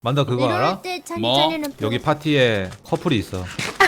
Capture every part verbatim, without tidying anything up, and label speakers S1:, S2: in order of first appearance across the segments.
S1: 만다 그거 알아?
S2: 이럴 때 찬이
S3: 뭐?
S2: 찬이는
S1: 여기 파티에 커플이 있어.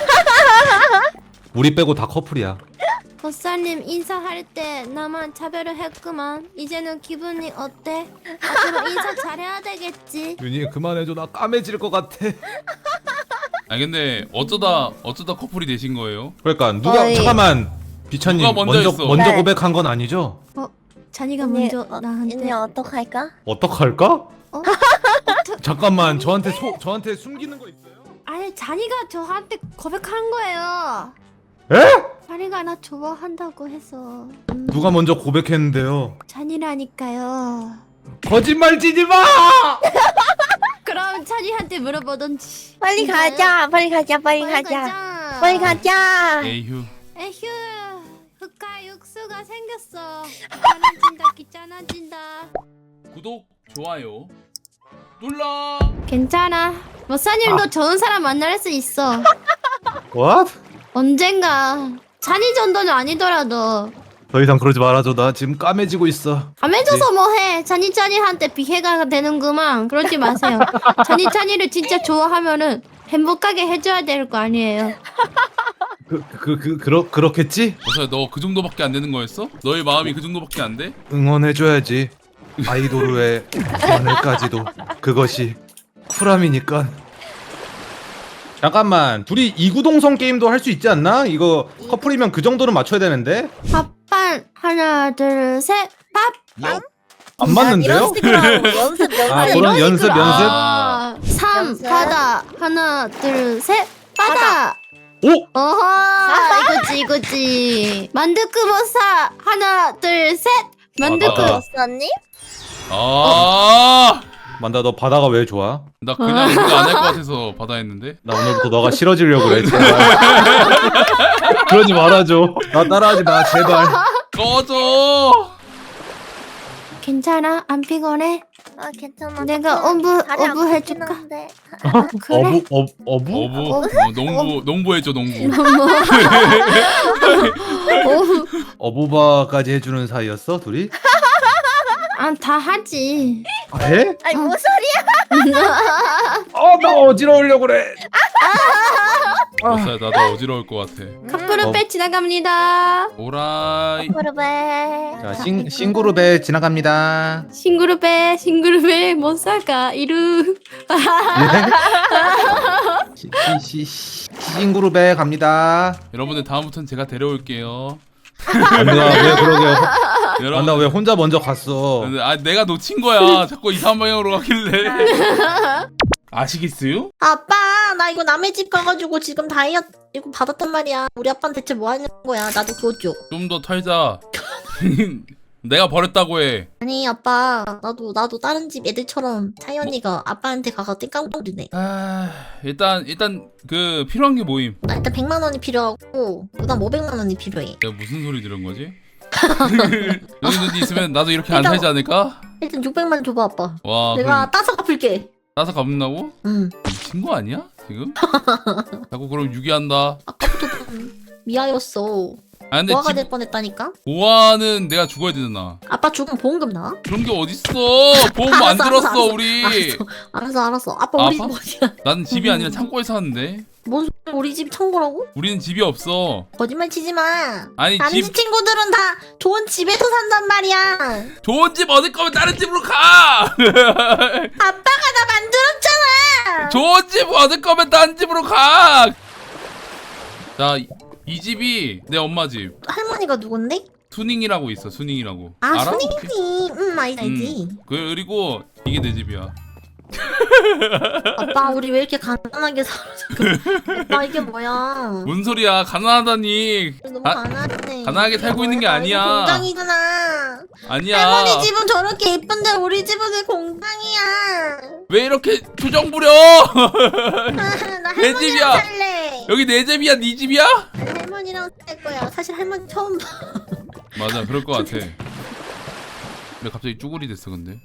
S1: 우리 빼고 다 커플이야.
S2: 보사님 인사할 때 나만 차별을 했구만. 이제는 기분이 어때? 앞으로 인사 잘해야 되겠지.
S1: 윤희 그만해줘. 나 까매질 것 같아.
S3: 아 근데 어쩌다 어쩌다 커플이 되신 거예요?
S1: 그러니까 누가
S4: 어이.
S1: 잠깐만 비천님
S3: 누가 먼저
S1: 먼저
S3: 했어?
S1: 먼저
S4: 네.
S1: 고백한 건 아니죠?
S2: 찬이가
S4: 언니,
S2: 먼저
S4: 어,
S2: 나한테
S4: 언니 어떡할까?
S1: 어떡할까?
S2: 어?
S1: 잠깐만 저한테 소, 저한테 숨기는 거 있어요?
S2: 아니 찬이가 저한테 고백한 거예요.
S1: 에?
S2: 찬이가 나 좋아한다고 해서 음,
S1: 누가 먼저 고백했는데요?
S2: 찬이라니까요.
S1: 거짓말 치지 마!
S2: 그럼 찬이한테 물어보던지.
S4: 빨리
S2: 진짜요?
S4: 가자. 빨리 가자. 빨리
S2: 빨리
S4: 가자.
S2: 가자.
S4: 빨리 가자.
S3: 에휴.
S2: 에휴 흑화 육수가 생겼어. 귀찮아진다 귀찮아진다.
S3: 구독 좋아요 눌러.
S2: 괜찮아. 머사님도
S1: 아.
S2: 좋은 사람 만날 수 있어.
S1: What?
S2: 언젠가. 찬이 정도는 아니더라도
S1: 더 이상 그러지 말아줘. 나 지금 까매지고 있어.
S2: 감해줘서 뭐해. 찬이 찬이한테 비해가 되는구만. 그러지 마세요. 찬이 찬이를 진짜 좋아하면은 행복하게 해줘야 될 거 아니에요.
S1: 그, 그, 그, 그러, 그렇겠지?
S3: 어서 너 그 정도밖에 안 되는 거였어? 너의 마음이 그 정도밖에 안 돼?
S1: 응원해줘야지. 아이돌의 오늘까지도 그것이 쿨함이니까. 잠깐만 둘이 이구동성 게임도 할 수 있지 않나? 이거 커플이면 그 정도는 맞춰야 되는데
S2: 밥반 하나 둘 셋 밥.
S1: 안
S4: 이런
S1: 맞는데요?
S4: 식으로 하고 연습 연습.
S1: 아, 그런 연습 연습?
S2: 아, 삼
S4: 연습?
S2: 바다 하나 둘 셋 바다.
S1: 오!
S2: 어허 이거지 이거지. 만두크보사 하나 둘 셋 만두크.
S1: 아,
S4: 언니?
S3: 아,
S1: 만다 너 바다가 왜 좋아?
S3: 나 그냥 이거 안 할 것 같아서 받아 했는데.
S1: 나 오늘부터 너가 싫어지려고 그래 제발. 그러지 말아줘. 나 따라하지 마 제발.
S3: 꺼져.
S2: 괜찮아 안 피곤해?
S4: 아 괜찮아.
S2: 내가
S4: 조금
S2: 어부
S4: 다리
S2: 어부
S4: 아프긴
S2: 해줄까?
S4: 한데.
S2: 그래?
S1: 어부 어, 어부?
S3: 어부. 어, 농부 농부해줘 농부.
S2: 어부
S1: 어부바까지 해주는 사이였어 둘이?
S2: 아다 하지.
S1: 아, 해?
S4: 아니 뭔 소리야?
S1: 어나 어지러우려고 그래.
S3: 어서 나도 어지러울 것 같아.
S2: 카프ル
S1: 어.
S2: 빼 지나갑니다.
S3: 오라이.
S4: 그러베.
S1: 자 싱, 싱그룹에 지나갑니다.
S2: 싱그룹에 싱그룹에 못 살까 이루.
S1: 예? 시, 시, 시, 싱그룹에 갑니다.
S3: 여러분들 다음부터는 제가 데려올게요.
S1: 안나 왜 그러게요?
S3: 여러분.
S1: 안나 왜 혼자 먼저 갔어?
S3: 아 내가 놓친 거야. 자꾸 이상한 방향으로 가길래. 아시겠어요?
S5: 아빠 나 이거 남의 집 가가지고 지금 다이어트 이거 받았단 말이야. 우리 아빠는 대체 뭐 하는 거야. 나도 그거 줘.
S3: 좀 더 털자. 내가 버렸다고 해.
S5: 아니 아빠 나도 나도 다른 집 애들처럼 차이 언니가 아빠한테 가서 띵깡거리네.
S3: 아 일단 일단 그 필요한 게 뭐임?
S5: 나 일단 백만 원이 필요하고 그다음 오백만 원이 필요해.
S3: 내가 무슨 소리 들은 거지? 여기 눈이 있으면 나도 이렇게 안
S5: 일단-
S3: 살지 않을까?
S5: 일단 육백만 원 줘봐 아빠.
S3: 와
S5: 내가
S3: 그럼
S5: 따서 갚을게.
S3: 따서 갚는다고?
S5: 응.
S3: 미친 거 아니야 지금? 자꾸 그럼 유기한다.
S5: 아까부터 좀 미아였어.
S3: 아 근데
S5: 고아가
S3: 집
S5: 될 뻔했다니까.
S3: 보아는 내가 죽어야 되잖아.
S5: 아빠 죽으면 보험금 나와?
S3: 그런 게 어딨어? 보험 안
S5: 알았어,
S3: 들었어
S5: 알았어,
S3: 우리.
S5: 알았어 알았어 알았어. 아빠 우리 집
S3: 아빠?
S5: 어디야?
S3: 나는 집이 아니라 창고에 사는데.
S5: 뭔 소리야 우리 집 청구라고?
S3: 우리는 집이 없어.
S5: 거짓말 치지 마.
S3: 아니
S5: 다른
S3: 집
S5: 집 친구들은 다 좋은 집에서 산단 말이야.
S3: 좋은 집 얻을 거면 다른 집으로 가.
S5: 아빠가 나 만들었잖아.
S3: 좋은 집 얻을 거면 다른 집으로 가. 자, 이, 이 집이 내 엄마 집.
S5: 할머니가 누군데?
S3: 수닝이라고 있어. 수닝이라고.
S5: 아
S3: 알아?
S5: 순이지. 응 알지 알지.
S3: 음. 그리고 이게 내 집이야.
S5: 아빠 우리 왜 이렇게 가난하게 살아 지금. 아빠 이게 뭐야.
S3: 뭔 소리야? 가난하다니.
S5: 너무
S3: 가-
S5: 가난해.
S3: 가난하게 살고 있는 게
S5: 뭐야,
S3: 아니야.
S5: 이거 공장이잖아.
S3: 아니야.
S5: 할머니 집은 저렇게 예쁜데 우리 집은 왜 공장이야.
S3: 왜 이렇게 투정 부려?
S5: 나
S3: 내 집이야.
S5: 할머니랑 살래.
S3: 여기 내 집이야, 네 집이야?
S5: 난 할머니랑 살 거야. 사실 할머니 처음 봐.
S3: 맞아, 그럴 것 같아. 왜 갑자기 쭈구리 됐어, 근데?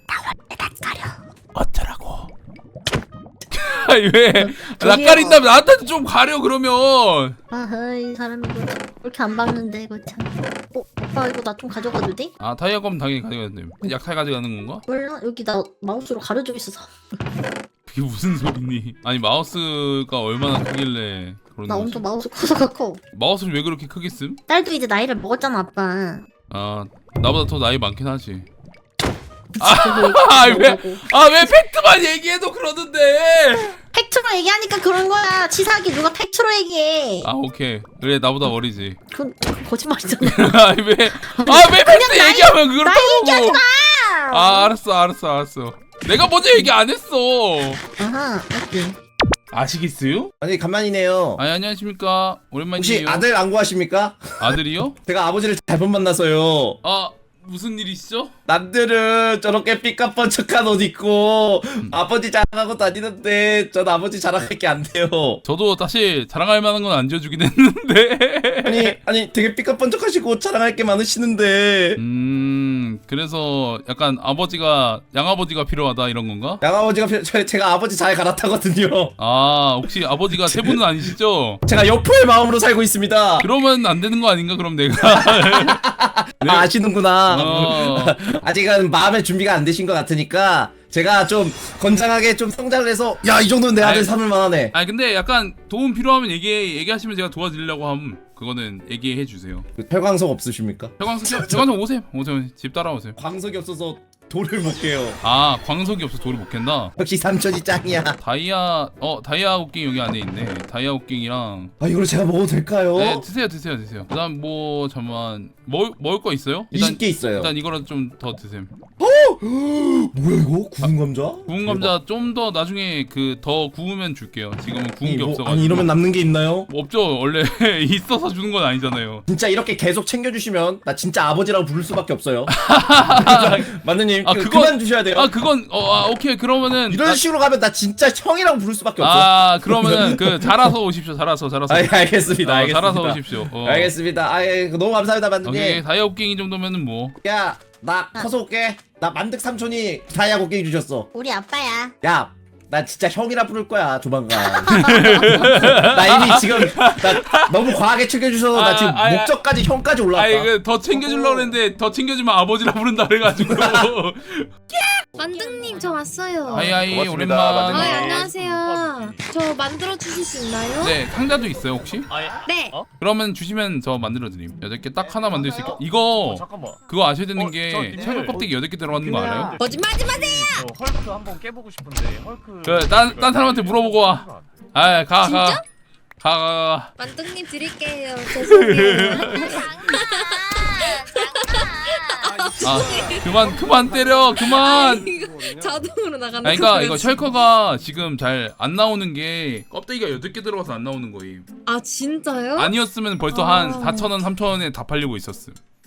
S3: 어쩌라고? 아니 왜? 나
S5: 저기요.
S3: 가린다면 나한테도 좀 가려 그러면.
S5: 아이 사람이 이거 왜 이렇게 안 박는데 이거 참. 어 오빠 이거 나 좀 가져가도 돼?
S3: 아 타이어 검 당연히 가져가야 돼. 약탈 가져가는 건가?
S5: 몰라 여기 나 마우스로 가려져 있어서.
S3: 그게 무슨 소리니? 아니 마우스가 얼마나 크길래 그런
S5: 나
S3: 거지?
S5: 엄청 마우스 커서 커.
S3: 마우스를 왜 그렇게 크게 씀?
S5: 딸도 이제 나이를 먹었잖아 아빠.
S3: 아 나보다 더 나이 많긴 하지.
S5: 아왜
S3: 아 왜 팩트만 얘기해도 그러는데?
S5: 팩트로 얘기하니까 그런 거야. 치사하게 누가 팩트로 얘기해.
S3: 아 오케이 그래 나보다 어리지.
S5: 그건 거짓말이잖아.
S3: 아니 왜아왜 팩트
S5: 나이-
S3: 얘기하면 그렇다고?
S5: 나이 얘기하지 마.
S3: 아 알았어 알았어 알았어. 내가 먼저 얘기 안 했어.
S5: 아하 오케이.
S3: 아시겠어요?
S6: 아니 간만이네요.
S3: 아니 안녕하십니까
S6: 혹시
S3: 오랜만이에요.
S6: 아들 안 구하십니까?
S3: 아들이요?
S6: 제가 아버지를 잘못 만나서요.
S3: 아 무슨 일이시죠?
S6: 남들은 저렇게 삐까뻔쩍한 옷 입고 아버지 자랑하고 다니는데 전 아버지 자랑할 게 안 돼요.
S3: 저도 사실 자랑할 만한 건 안 지어주긴 했는데.
S6: 아니 아니 되게 삐까뻔쩍하시고 자랑할 게 많으시는데
S3: 음 그래서 약간 아버지가 양아버지가 필요하다 이런 건가?
S6: 양아버지가 필요- 저, 제가 아버지 잘 갈아타거든요.
S3: 아 혹시 아버지가 세 분은 아니시죠?
S6: 제가 여포의 마음으로 살고 있습니다.
S3: 그러면 안 되는 거 아닌가 그럼 내가. 네.
S6: 아, 아시는구나.
S3: 어.
S6: 아직은 마음의 준비가 안 되신 것 같으니까 제가 좀 건장하게 좀 성장을 해서 야 이 정도는 내 아들
S3: 아이,
S6: 삼을 만하네.
S3: 아니 근데 약간 도움 필요하면 얘기 얘기하시면 제가 도와드리려고 함. 그거는 얘기해 주세요.
S6: 혈광석 없으십니까?
S3: 혈광석 혈광석 오세요. 오세요. 집 따라오세요.
S6: 광석이 없어서 돌을 못 깨요.
S3: 아 광석이 없어 돌이 못 캔다.
S6: 역시 삼촌이 짱이야.
S3: 다이아 어 다이아 옷갱이 여기 안에 있네. 다이아 옷갱이랑
S6: 아 이걸 제가 먹어도 될까요?
S3: 네 드세요 드세요 드세요. 그다음 뭐 잠만 먹 먹을 거 있어요? 일단
S6: 이십 개 있어요.
S3: 일단 이거라도 좀 더 드세요.
S6: 뭐야 이거? 구운 감자?
S3: 구운 감자 좀 더 나중에 그 더 구우면 줄게요. 지금은 구운
S6: 아니,
S3: 게
S6: 뭐,
S3: 없어가지고.
S6: 아니 이러면 남는 게 있나요?
S3: 뭐 없죠. 원래 있어서 주는 건 아니잖아요.
S6: 진짜 이렇게 계속 챙겨주시면 나 진짜 아버지라고 부를 수밖에 없어요. 만두님
S3: 아,
S6: 그,
S3: 그건-
S6: 그만 주셔야 돼요.
S3: 아 그건 어 아, 오케이 그러면은
S6: 이런
S3: 나-
S6: 식으로 가면 나 진짜 형이라고 부를 수밖에 없어.
S3: 아 그러면은 그 자라서 오십시오. 자라서 자라서.
S6: 아, 예, 알겠습니다.
S3: 어,
S6: 알겠습니다.
S3: 자라서 오십시오. 어.
S6: 알겠습니다. 아, 예, 너무 감사합니다,
S3: 오케이
S6: 만두님.
S3: 다이아 옷갱이 정도면은 뭐.
S6: 야, 나 커서 올게. 나 만득 삼촌이 다이아 곡괭이 주셨어.
S5: 우리 아빠야.
S6: 야, 나 진짜 형이라 부를 거야 조만간. 나 이미 지금 나 너무 과하게 챙겨주셔서
S3: 아,
S6: 나 지금
S3: 아, 아,
S6: 목적까지 형까지 올라왔다.
S3: 아 이거 더 챙겨주려고 했는데 더 챙겨주면 아버지라 부른다 그래가지고.
S2: 만등님 저 왔어요.
S3: 하이하이
S1: 고맙습니다,
S3: 오랜만.
S2: 아,
S1: 만등님.
S2: 안녕하세요. 저 만들어 주실 수 있나요?
S3: 네 상자도 있어요 혹시?
S2: 네.
S3: 그러면 주시면 저 만들어드림. 여덟 개 딱 하나 만들 수 있게. 이거
S7: 잠깐만.
S3: 그거 아셔야 되는
S7: 어,
S3: 게
S7: 저 님들.
S3: 철거 껍데기 여덟 개 들어가는 거 알아요?
S2: 거짓말하지 마세요.
S7: 저 헐크 한번 깨보고 싶은데 헐크.
S3: 그딴딴 사람한테 물어보고 와. 아 가 가. 가 가 가.
S2: 만등님 드릴게요. 죄송해요.
S3: 아 그만 그만 때려 그만.
S2: 자동으로 나가는
S3: 아니 그러니까
S2: 거예요,
S3: 이거
S2: 지금.
S3: 셜커가 지금 잘 안 나오는 게 껍데기가 여덟 개 들어가서 안 나오는 거임.
S2: 아 진짜요?
S3: 아니었으면 벌써
S2: 아.
S3: 한 사천 원 삼천 원에 다 팔리고 있었음.